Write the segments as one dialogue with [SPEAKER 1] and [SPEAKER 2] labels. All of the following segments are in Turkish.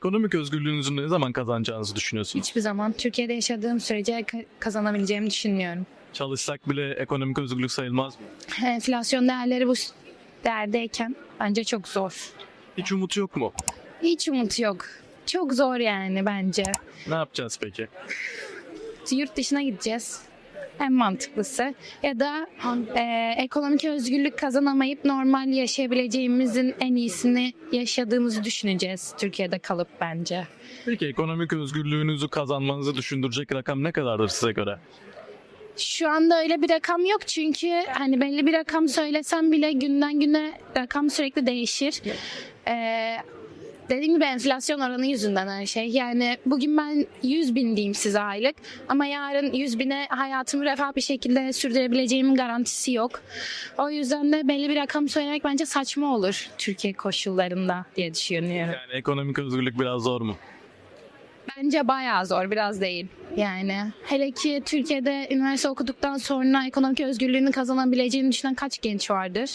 [SPEAKER 1] Ekonomik özgürlüğünüzü ne zaman kazanacağınızı düşünüyorsunuz?
[SPEAKER 2] Hiçbir zaman Türkiye'de yaşadığım sürece kazanabileceğimi düşünmüyorum.
[SPEAKER 1] Çalışsak bile ekonomik özgürlük sayılmaz mı?
[SPEAKER 2] Enflasyon değerleri bu değerdeyken bence çok zor.
[SPEAKER 1] Hiç umut yok mu?
[SPEAKER 2] Hiç umut yok. Çok zor yani bence.
[SPEAKER 1] Ne yapacağız peki?
[SPEAKER 2] Yurt dışına gideceğiz. En mantıklısı. Ya da ekonomik özgürlük kazanamayıp normal yaşayabileceğimizin en iyisini yaşadığımızı düşüneceğiz Türkiye'de kalıp bence.
[SPEAKER 1] Peki ekonomik özgürlüğünüzü kazanmanızı düşündürecek rakam ne kadardır size göre?
[SPEAKER 2] Şu anda öyle bir rakam yok çünkü hani belli bir rakam söylesem bile günden güne rakam sürekli değişir. Dediğim gibi enflasyon oranı yüzünden her şey. Yani bugün ben 100 bin diyeyim size aylık ama yarın 100 bine hayatımı refah bir şekilde sürdürebileceğimin garantisi yok. O yüzden de belli bir rakam söylemek bence saçma olur Türkiye koşullarında diye düşünüyorum.
[SPEAKER 1] Yani ekonomik özgürlük biraz zor mu?
[SPEAKER 2] Bence bayağı zor, biraz değil. Yani hele ki Türkiye'de üniversite okuduktan sonra ekonomik özgürlüğünü kazanabileceğini düşünen kaç genç vardır?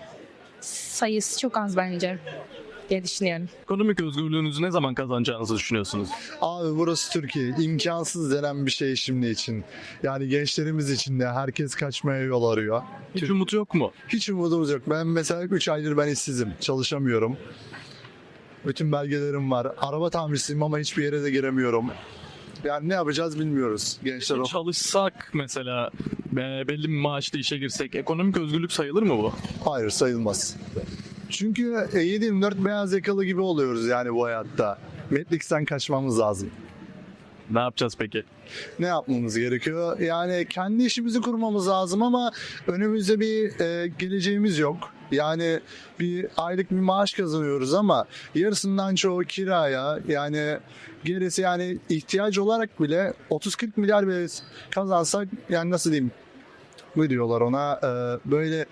[SPEAKER 2] Sayısı çok az bence diye düşünüyorum.
[SPEAKER 1] Ekonomik özgürlüğünüzü ne zaman kazanacağınızı düşünüyorsunuz?
[SPEAKER 3] Abi burası Türkiye. İmkansız denen bir şey şimdi için. Yani gençlerimiz için de herkes kaçmaya yol arıyor.
[SPEAKER 1] Hiç umut yok mu?
[SPEAKER 3] Hiç umudumuz yok. Ben mesela 3 aydır ben işsizim. Çalışamıyorum. Bütün belgelerim var. Araba tamircisiyim ama hiçbir yere de giremiyorum. Yani ne yapacağız bilmiyoruz gençler.
[SPEAKER 1] Çalışsak mesela belli bir maaşla işe girsek ekonomik özgürlük sayılır mı bu?
[SPEAKER 3] Hayır, sayılmaz. Çünkü 7/24 beyaz yakalı gibi oluyoruz yani bu hayatta. Matrix'ten kaçmamız lazım.
[SPEAKER 1] Ne yapacağız peki?
[SPEAKER 3] Ne yapmamız gerekiyor? Yani kendi işimizi kurmamız lazım ama önümüzde bir geleceğimiz yok. Yani bir aylık bir maaş kazanıyoruz ama yarısından çoğu kiraya, yani gerisi, yani ihtiyaç olarak bile 30-40 milyar bile kazansak, yani nasıl diyeyim, ne diyorlar ona, böyle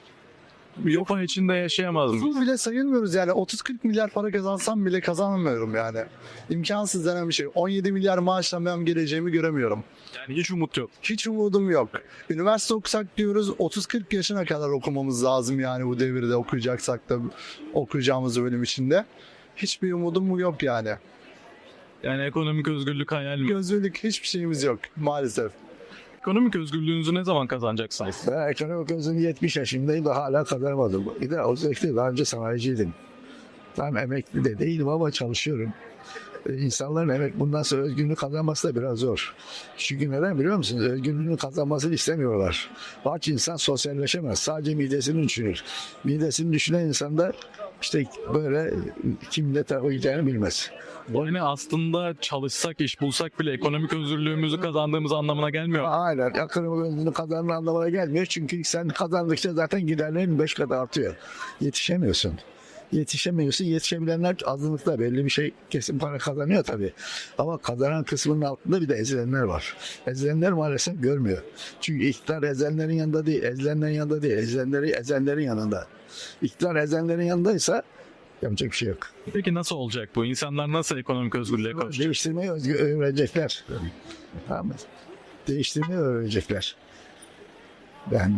[SPEAKER 1] Yopa içinde yaşayamaz mı?
[SPEAKER 3] bu bile sayılmıyoruz yani. 30-40 milyar para kazansam bile kazanamıyorum yani. İmkansız denen bir şey. 17 milyar maaşla ben geleceğimi göremiyorum.
[SPEAKER 1] Yani hiç umut yok.
[SPEAKER 3] Hiç umudum yok. Üniversite okusak diyoruz, 30-40 yaşına kadar okumamız lazım yani bu devirde okuyacaksak da okuyacağımız bölüm içinde. Hiçbir umudum yok yani.
[SPEAKER 1] Yani ekonomik özgürlük hayal mi?
[SPEAKER 3] Gözlülük hiçbir şeyimiz yok maalesef.
[SPEAKER 1] Ekonomik özgürlüğünüzü ne zaman kazanacaksınız?
[SPEAKER 4] Ben ekonomik özüm 70 yaşındayım da hala kazanamadım. Bir de özellikle daha önce sanayiciydim. Tam emekli de değilim ama çalışıyorum. İnsanların bundan sonra özgürlüğünü kazanması da biraz zor. Çünkü neden biliyor musunuz? Özgürlüğünü kazanmasını istemiyorlar. Aç insan sosyalleşemez. Sadece midesini düşünür. Midesini düşünen insan da işte böyle kimle takılacağını bilmez.
[SPEAKER 1] Yani aslında çalışsak, iş bulsak bile ekonomik özgürlüğümüzü kazandığımız anlamına gelmiyor.
[SPEAKER 4] Aynen. Ekonomik özgürlüğünü kazandığın anlamına gelmiyor. Çünkü sen kazandıkça zaten giderlerin 5 kat artıyor. Yetişemiyorsun. Yetişebilenler azınlıkta, belli bir şey kesin para kazanıyor tabii. Ama kazanan kısmının altında bir de ezilenler var. Ezilenler maalesef görmüyor. Çünkü iktidar ezilenlerin yanında değil, ezilenlerin yanında değil, ezenlerin yanında. İktidar ezenlerin yanındaysa yapacak bir şey yok.
[SPEAKER 1] Peki nasıl olacak bu? İnsanlar nasıl ekonomik özgürlüğe kavuşacak?
[SPEAKER 4] Değiştirmeyi öğrenecekler. Tamam mı? Değiştirmeyi öğrenecekler. Yani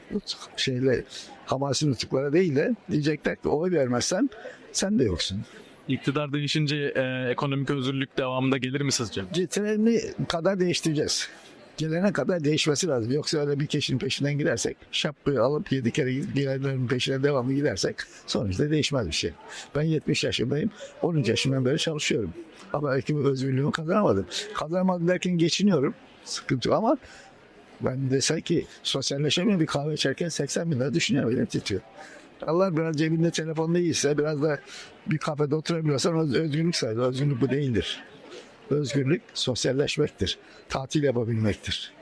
[SPEAKER 4] Hamas'ın nutuklara değil de diyecekler ki oy vermezsen sen de yoksun.
[SPEAKER 1] İktidar değişince ekonomik özgürlük devamında gelir mi sizce?
[SPEAKER 4] Treni kadar değiştireceğiz. Gelene kadar değişmesi lazım. Yoksa öyle bir kişinin peşinden gidersek, şapkayı alıp 7 kere gidenlerin peşine devamlı gidersek sonuçta değişmez bir şey. Ben 70 yaşındayım. 13 yaşından beri çalışıyorum. Ama belki özgürlüğümü kazanamadım. Kazanamadım derken geçiniyorum. Sıkıntı yok ama ben desem ki sosyalleşemiyorum, bir kahve içerken 80 bin lira düşünüyorum, elim titriyor. Allah biraz cebinde telefon değilse, biraz da bir kafede oturabiliyorsan özgürlük sayılır. Özgürlük bu değildir. Özgürlük sosyalleşmektir. Tatil yapabilmektir.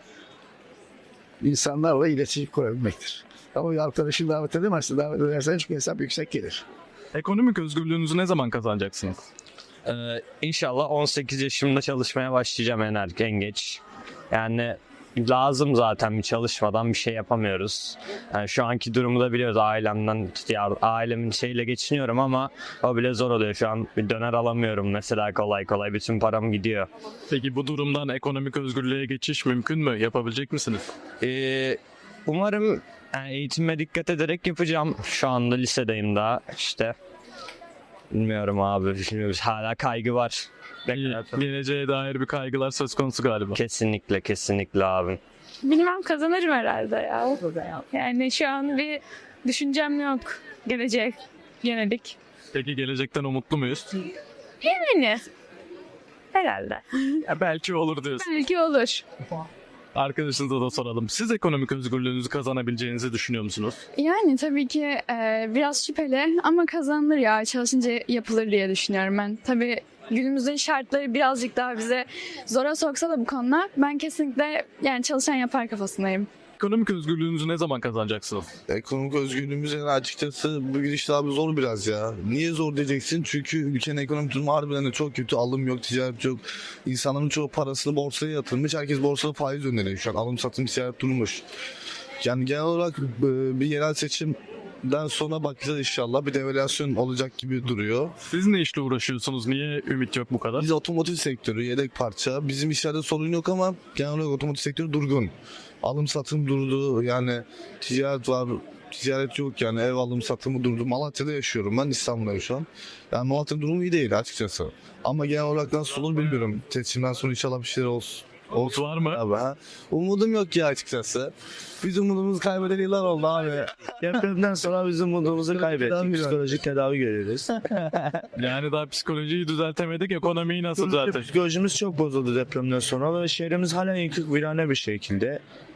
[SPEAKER 4] İnsanlarla iletişim kurabilmektir. Ama bir arkadaşını davet edemezsin. Davet edersen çünkü hesap yüksek gelir.
[SPEAKER 1] Ekonomik özgürlüğünüzü ne zaman kazanacaksınız?
[SPEAKER 5] İnşallah 18 yaşımda çalışmaya başlayacağım en geç. Yani lazım, zaten bir çalışmadan bir şey yapamıyoruz. Yani şu anki durumu da biliyoruz, ailemin şeyle geçiniyorum ama o bile zor oluyor. Şu an bir döner alamıyorum mesela, kolay kolay bütün param gidiyor.
[SPEAKER 1] Peki bu durumdan ekonomik özgürlüğe geçiş mümkün mü? Yapabilecek misiniz?
[SPEAKER 5] Umarım eğitime dikkat ederek yapacağım. Şu anda lisedeyim daha işte. Bilmiyorum abi. Bilmiyorum. Hala kaygı var.
[SPEAKER 1] Geleceğe dair bir kaygılar söz konusu galiba.
[SPEAKER 5] Kesinlikle kesinlikle abi.
[SPEAKER 6] Bilmem kazanırım herhalde ya. Yani şu an bir düşüncem yok. Gelecek yönelik.
[SPEAKER 1] Peki gelecekten umutlu muyuz?
[SPEAKER 6] Yani herhalde.
[SPEAKER 1] Ya belki olur diyorsun.
[SPEAKER 6] Belki olur.
[SPEAKER 1] Arkadaşınıza da soralım. Siz ekonomik özgürlüğünüzü kazanabileceğinizi düşünüyor musunuz?
[SPEAKER 7] Yani tabii ki biraz şüpheli ama kazanılır ya. Çalışınca yapılır diye düşünüyorum ben. Tabii günümüzün şartları birazcık daha bize zora soksa da bu konuda ben kesinlikle yani çalışan yapar kafasındayım.
[SPEAKER 1] Ekonomik özgürlüğünüzü ne zaman kazanacaksınız?
[SPEAKER 8] Ekonomik özgürlüğümüz yani açıkçası bu gidişle abi zor biraz ya. Niye zor diyeceksin? Çünkü ülkenin ekonomik durumu harbiden de çok kötü. Alım yok, ticaret yok. İnsanların çoğu parasını borsaya yatırmış. Herkes borsada faiz öneriyor şu an. Alım satım ticaret durmuş. Yani genel olarak bir yerel seçimden sonra bakacağız inşallah. Bir devalüasyon olacak gibi duruyor.
[SPEAKER 1] Siz ne işle uğraşıyorsunuz? Niye ümit yok bu kadar?
[SPEAKER 8] Biz otomotiv sektörü, yedek parça. Bizim işlerde sorun yok ama genel olarak otomotiv sektörü durgun. Alım satım durdu. Yani ticaret var. Ticaret yok yani. Ev alım satımı durdu. Malatya'da yaşıyorum ben. İstanbul'dayım şu an. Yani Malatya'nın durumu iyi değil açıkçası. Ama genel olarak nasıl olur bilmiyorum. Seçimden sonra inşallah bir şeyler olsun.
[SPEAKER 1] Umut var mı?
[SPEAKER 8] Abi, ha. Umudum yok ya açıkçası. Biz umudumuzu kaybedeli yıllar oldu abi.
[SPEAKER 9] Depremden sonra biz umudumuzu kaybettik. Psikolojik tedavi görüyoruz.
[SPEAKER 1] Yani daha psikolojiyi düzeltemedik. Ekonomiyi nasıl düzelteceğiz?
[SPEAKER 9] Psikolojimiz çok bozuldu depremden sonra ve şehrimiz hala yıkık virane bir şekilde.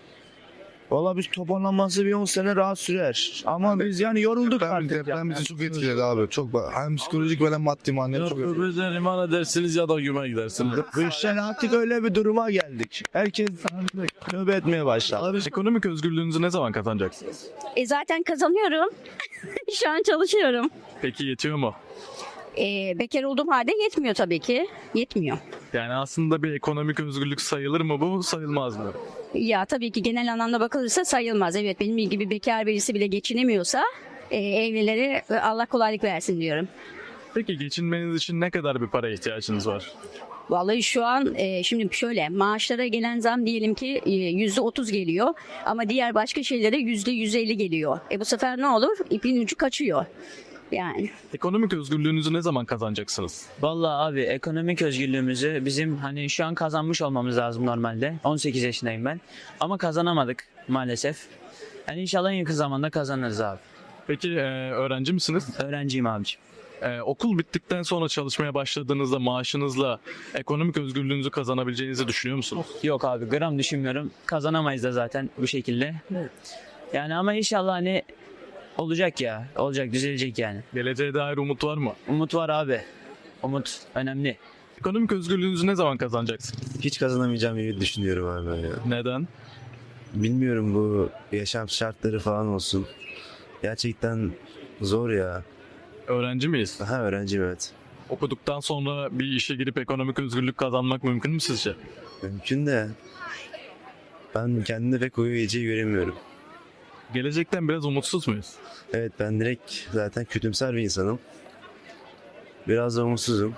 [SPEAKER 9] Valla biz toparlanması bir 10 sene rahat sürer. Ama biz yani yorulduk artık.
[SPEAKER 8] Deprem bizi çok etkiledi abi. Çok hem psikolojik hem maddi manevi çok etkiledi.
[SPEAKER 10] Öbürden iman edersiniz ya da güme gidersiniz.
[SPEAKER 9] Bu artık öyle bir duruma geldik. Herkes tövbe etmeye başladı.
[SPEAKER 1] Ekonomik özgürlüğünüzü ne zaman kazanacaksınız?
[SPEAKER 11] Zaten kazanıyorum. Şu an çalışıyorum.
[SPEAKER 1] Peki yetiyor mu?
[SPEAKER 11] Bekar olduğum halde yetmiyor tabii ki. Yetmiyor.
[SPEAKER 1] Yani aslında bir ekonomik özgürlük sayılır mı bu, sayılmaz mı?
[SPEAKER 11] Ya tabii ki genel anlamda bakılırsa sayılmaz. Evet benim gibi bekar birisi bile geçinemiyorsa evlilere Allah kolaylık versin diyorum.
[SPEAKER 1] Peki geçinmeniz için ne kadar bir para ihtiyacınız var?
[SPEAKER 11] Vallahi şu an şimdi şöyle maaşlara gelen zam diyelim ki %30 geliyor ama diğer başka şeylere %150 geliyor. Bu sefer ne olur? İpin ucu kaçıyor. Yani.
[SPEAKER 1] Ekonomik özgürlüğünüzü ne zaman kazanacaksınız?
[SPEAKER 12] Vallahi abi ekonomik özgürlüğümüzü bizim hani şu an kazanmış olmamız lazım normalde. 18 yaşındayım ben. Ama kazanamadık maalesef. Yani inşallah en yakın zamanda kazanırız abi.
[SPEAKER 1] Peki öğrenci misiniz?
[SPEAKER 12] Öğrenciyim abiciğim.
[SPEAKER 1] Okul bittikten sonra çalışmaya başladığınızda maaşınızla ekonomik özgürlüğünüzü kazanabileceğinizi düşünüyor musunuz?
[SPEAKER 12] Yok abi gram düşünmüyorum. Kazanamayız da zaten bu şekilde. Yani ama inşallah hani olacak ya. Olacak, düzelecek yani.
[SPEAKER 1] Geleceğe dair umut var mı?
[SPEAKER 12] Umut var abi. Umut önemli.
[SPEAKER 1] Ekonomik özgürlüğünüzü ne zaman kazanacaksınız?
[SPEAKER 9] Hiç kazanamayacağım gibi düşünüyorum abi ben ya.
[SPEAKER 1] Neden?
[SPEAKER 9] Bilmiyorum bu yaşam şartları falan olsun. Gerçekten zor ya.
[SPEAKER 1] Öğrenci miyiz?
[SPEAKER 9] Ha öğrenciyim evet.
[SPEAKER 1] Okuduktan sonra bir işe girip ekonomik özgürlük kazanmak mümkün mü sizce?
[SPEAKER 9] Mümkün de ben kendimde pek o geleceği göremiyorum.
[SPEAKER 1] Gelecekten biraz umutsuz muyuz?
[SPEAKER 9] Evet ben direkt zaten kötümser bir insanım. Biraz da umutsuzum.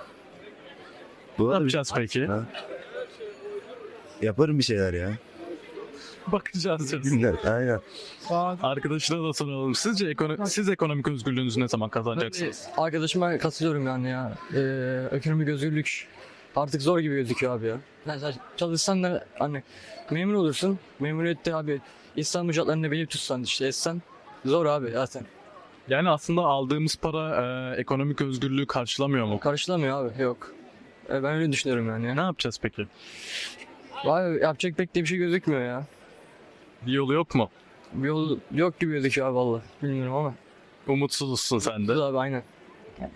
[SPEAKER 9] Bu
[SPEAKER 1] Ne yapacağız peki?
[SPEAKER 9] Ha? Yaparım bir şeyler ya.
[SPEAKER 1] Bakacağız.
[SPEAKER 9] Günler aynen.
[SPEAKER 1] Arkadaşına da soralım. Sizce siz ekonomik özgürlüğünüzü ne zaman kazanacaksınız?
[SPEAKER 10] Arkadaşıma katılıyorum yani ya. Ekonomik özgürlük artık zor gibi gözüküyor abi ya. Mesela çalışsan da hani memur olursun. Memuriyette abi İslam ücretlerini belli tutsan işte etsen zor abi zaten.
[SPEAKER 1] Yani aslında aldığımız para ekonomik özgürlüğü karşılamıyor mu?
[SPEAKER 10] Karşılamıyor abi yok. Ben öyle düşünüyorum yani.
[SPEAKER 1] Ne yapacağız peki?
[SPEAKER 10] Vay yapacak pek de bir şey gözükmüyor ya.
[SPEAKER 1] Bir yolu yok mu?
[SPEAKER 10] Bir yol yok gibi gözüküyor abi valla. Bilmiyorum ama.
[SPEAKER 1] Umutsuzsun sen de.
[SPEAKER 10] Abi aynen.